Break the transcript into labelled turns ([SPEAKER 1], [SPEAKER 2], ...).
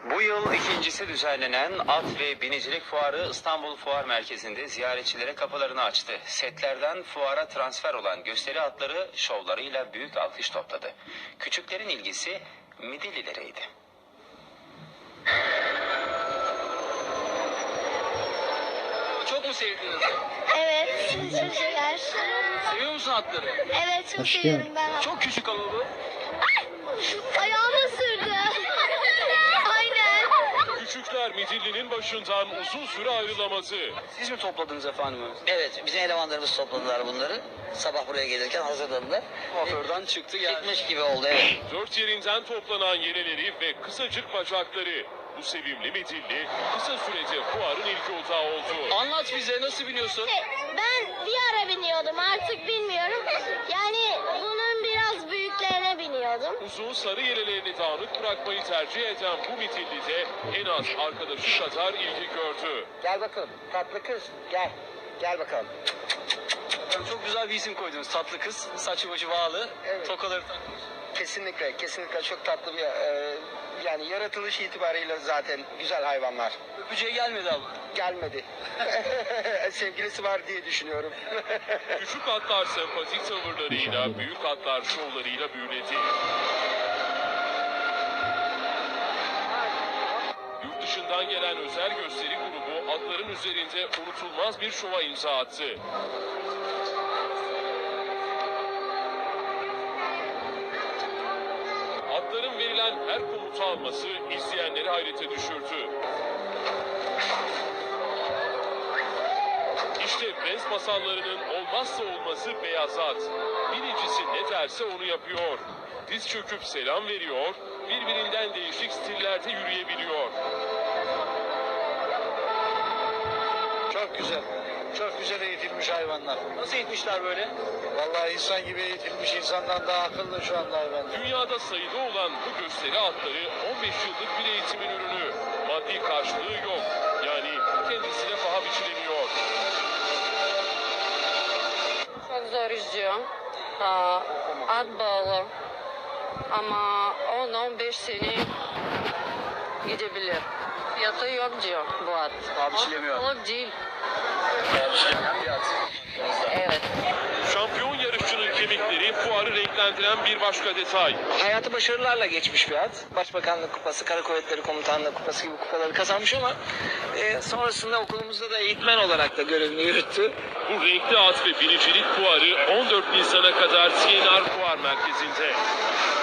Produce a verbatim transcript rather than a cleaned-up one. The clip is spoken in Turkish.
[SPEAKER 1] Bu yıl ikincisi düzenlenen at ve binicilik fuarı İstanbul Fuar Merkezi'nde ziyaretçilere kapılarını açtı. Setlerden fuara transfer olan gösteri atları şovlarıyla büyük alkış topladı. Küçüklerin ilgisi Midillilereydi.
[SPEAKER 2] Çok mu sevdiniz?
[SPEAKER 3] Evet, çok şeker.
[SPEAKER 2] Seviyor musun atları?
[SPEAKER 3] Evet, çok
[SPEAKER 4] Aşkım.
[SPEAKER 3] seviyorum ben.
[SPEAKER 2] Çok küçük ama bu.
[SPEAKER 3] Ayağımı ısırdı. Aynen.
[SPEAKER 5] Küçükler Midilli'nin başından uzun süre ayrılaması.
[SPEAKER 2] Siz mi topladınız efendim?
[SPEAKER 6] Evet, bizim elemanlarımız topladılar bunları. Sabah buraya gelirken hazırladılar.
[SPEAKER 2] Kuaförden çıktı geldi.
[SPEAKER 6] Çıkmış gibi oldu, evet.
[SPEAKER 5] Dört yerinden toplanan yeleleri ve kısacık bacakları. Bu sevimli Midilli kısa sürece fuarın ilk otağı oldu.
[SPEAKER 2] Anlat bize, nasıl biniyorsun?
[SPEAKER 3] Ben bir ara biniyordum, artık bilmiyorum. Yani bunun biraz büyüklerine biniyordum.
[SPEAKER 5] Uzun sarı yelelerini dağınık bırakmayı tercih eden bu Midilli de en az arkadaşı kadar ilgi gördü.
[SPEAKER 6] Gel bakalım, tatlı kız, gel. Gel bakalım.
[SPEAKER 2] Çok güzel bir isim koydunuz. Tatlı kız, saçı başı bağlı,
[SPEAKER 7] Evet.
[SPEAKER 2] tokaları takmış.
[SPEAKER 7] Kesinlikle, kesinlikle çok tatlı bir, e, yani yaratılış itibariyle zaten güzel hayvanlar.
[SPEAKER 2] Öpücüğe gelmedi ama.
[SPEAKER 7] Gelmedi. Sevgilisi var diye düşünüyorum.
[SPEAKER 5] Küçük atlar sempatik tavırlarıyla, büyük atlar şovlarıyla büyüledi. Yurt dışından gelen özel gösteri grubu atların üzerinde unutulmaz bir şova imza attı. Atların verilen her komutu alması izleyenleri hayrete düşürdü. İşte Prens masallarının olmazsa olmazı beyaz at. Binicisi ne derse onu yapıyor. Diz çöküp selam veriyor, birbirinden değişik stillerde yürüyebiliyor.
[SPEAKER 8] Çok güzel. Çok güzel eğitilmiş hayvanlar.
[SPEAKER 2] Nasıl eğitmişler böyle?
[SPEAKER 8] Vallahi insan gibi eğitilmiş, insandan daha akıllı şu anda hayvanlar.
[SPEAKER 5] Dünyada sayıda olan bu gösteri atları on beş yıllık bir eğitimin ürünü. Maddi karşılığı yok. Yani kendisine paha biçilemiyor.
[SPEAKER 9] Çok zor izliyor. Aa, at bağlı. Ama on on beş sene gidebilir. Fiyatı yok diyor bu at.
[SPEAKER 2] Paha biçilemiyor.
[SPEAKER 9] Pahalı değil.
[SPEAKER 2] Hem bir at.
[SPEAKER 9] Evet.
[SPEAKER 5] Şampiyon yarışçının kemikleri fuarı renklendiren bir başka detay.
[SPEAKER 7] Hayatı başarılarla geçmiş bir at. Başbakanlık kupası, Kara Kuvvetleri Komutanlığı kupası gibi kupaları kazanmış ama e, sonrasında okulumuzda da eğitmen olarak da görevini yürüttü.
[SPEAKER 5] Bu renkli at ve binicilik fuarı on dört Nisan'a kadar C N R Fuar Merkezi'nde.